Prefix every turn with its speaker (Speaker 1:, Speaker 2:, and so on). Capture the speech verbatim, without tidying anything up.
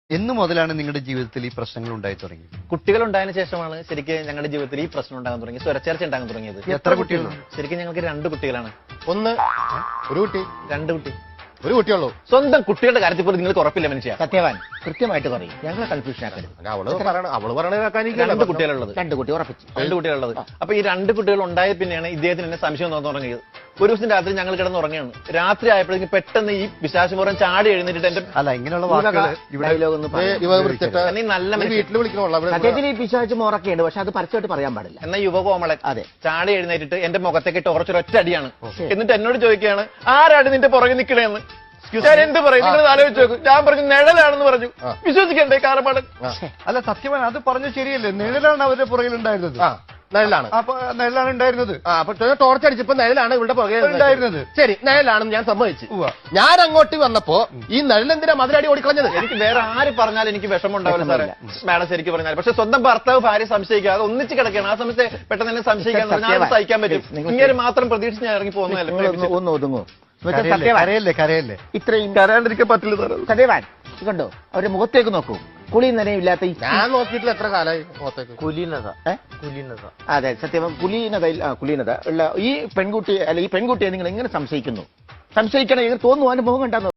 Speaker 1: എന്ന് മുതലാണ് നിങ്ങളുടെ ജീവിതത്തിൽ ഈ പ്രശ്നങ്ങൾ ഉണ്ടായി തുടങ്ങിയത്?
Speaker 2: കുട്ടികൾ ഉണ്ടായതിനു ശേഷമാണ് ശരിക്കും ഞങ്ങളുടെ ജീവിതത്തിൽ ഈ പ്രശ്നം ഉണ്ടാകാൻ തുടങ്ങി, സ്വരച്ചേർച്ച ഉണ്ടാകാൻ തുടങ്ങിയത്.
Speaker 1: എത്ര കുട്ടികളുണ്ട്?
Speaker 2: ശരിക്കും ഞങ്ങൾക്ക് രണ്ട് കുട്ടികളാണ്.
Speaker 3: ഒന്ന് ഒരു കുട്ടി
Speaker 2: രണ്ട് കുട്ടി
Speaker 3: ഒരു കുട്ടിയുള്ളൂ.
Speaker 2: സ്വന്തം കുട്ടികളുടെ കാര്യത്തിൽ പോലും നിങ്ങൾക്ക് ഉറപ്പില്ല മനുഷ്യ.
Speaker 4: സത്യവാൻ കൃത്യമായിട്ട് പറയും, ഞങ്ങളെ കൺഫ്യൂഷൻ ആക്കരുത്.
Speaker 3: അവള് പറയണ അവള് പറയണ
Speaker 2: രണ്ട് കുട്ടികളുള്ളത്
Speaker 4: രണ്ട് കുട്ടി ഉറപ്പിച്ചു
Speaker 2: രണ്ട് കുട്ടികളുള്ളത് അപ്പൊ ഈ രണ്ട് കുട്ടികൾ ഉണ്ടായ പിന്നെയാണ് ഇദ്ദേഹത്തിന് എന്നെ സംശയം തോന്നാൻ തുടങ്ങിയത്. ഒരു ദിവസം രാത്രി ഞങ്ങൾ കിടന്നുറങ്ങുകയാണ്. രാത്രി ആയപ്പോഴേക്കും പെട്ടെന്ന് ഈ പിശാചുപുറം ചാടി എഴുന്നേറ്റിട്ട് എന്റെ
Speaker 1: അല്ല, ഇങ്ങനെയുള്ള വാക്കുകൾ ഇവിടെ
Speaker 2: നീ നല്ല മനുഷ്യൻ
Speaker 3: വീട്ടിൽ വിളിക്കണമല്ലോ.
Speaker 4: സത്യത്തിൽ ഈ പിശാച് മോറൊക്കെയുണ്ട്, പക്ഷെ അത് പരസ്യമായിട്ട് പറയാൻ പാടില്ല.
Speaker 2: എന്ന യുവകോമളൻ
Speaker 4: അതെ.
Speaker 2: ചാടി എഴുന്നേറ്റിട്ട് എന്റെ മുഖത്തേക്ക് ടോർച്ചൊരൊറ്റ അടിയാണ്. എന്നിട്ട് എന്നോട് ചോദിക്കുകയാണ്, ആരാണ് നിന്റെ പുറകെ നിൽക്കണേന്ന്. ഞാൻ എന്ത് പറയും, നിങ്ങൾ ആലോചിച്ച് നോക്കും. ഞാൻ പറഞ്ഞു നിഴലാണെന്ന് പറഞ്ഞു. വിശ്വസിക്കണ്ടേ കാറപ്പാടൻ?
Speaker 1: അല്ല, സത്യമാണ്, അത് പറഞ്ഞു ശരിയല്ലേ? നിഴലാണ് അവരുടെ പുറകിൽ ഉണ്ടായിരുന്നത്.
Speaker 3: നിഴലാണ്
Speaker 1: അപ്പൊ നിഴലാണ് ഉണ്ടായിരുന്നത്.
Speaker 3: അപ്പൊ ടോർച്ച് അടിച്ചപ്പോ നിഴലാണ് ഇവിടെ പുറകെ
Speaker 1: ഉണ്ടായിരുന്നത്.
Speaker 3: ശരി, നിഴലാണെന്ന് ഞാൻ സമ്മതിച്ചു. ഞാൻ അങ്ങോട്ട് വന്നപ്പോ ഈ നിഴലെന്തിനാ മതിലടി ഓടിക്കളഞ്ഞത്?
Speaker 2: എനിക്ക് വേറെ ആര് പറഞ്ഞാലും എനിക്ക് വിഷമം ഉണ്ടാവില്ല സാറേ, മാഡം ശരിക്കും പറഞ്ഞാൽ. പക്ഷെ സ്വന്തം ഭർത്താവ് ഭാര്യ സംശയിക്കാതെ ഒന്നിച്ച് കിടക്കുകയാണ്. ആ സമയത്ത് പെട്ടെന്ന് തന്നെ സംശയിക്കാൻ ഞാൻ സഹിക്കാൻ പറ്റും. ഇങ്ങനെ മാത്രം പ്രതീക്ഷിച്ച് ഞാൻ ഇറങ്ങി പോകുന്നതല്ല.
Speaker 4: ഒന്ന് ഒതുങ്ങൂ.
Speaker 1: കരയല്ലേ കരയല്ലേ
Speaker 4: ഇത്രയും
Speaker 2: കരയാണ്ടിരിക്കാൻ പറ്റില്ല സാറേ.
Speaker 4: സത്യവാൻ കണ്ടോ, അവരുടെ മുഖത്തേക്ക് നോക്കൂ. കുളിയും നനയില്ലാത്ത ഈ
Speaker 3: ഞാൻ നോക്കിയിട്ടില്ല എത്ര കാലമായി മുഖത്തേക്ക്.
Speaker 4: കുലീനത കുലീനത അതെ സത്യം. കുലീനതയിൽ കുലീനത ഉള്ള ഈ പെൺകുട്ടിയെ അല്ല ഈ പെൺകുട്ടിയെ നിങ്ങൾ എങ്ങനെ സംശയിക്കുന്നു? സംശയിക്കണം, തോന്നുന്നു അവന്റെ മുഖം കണ്ടാന്ന്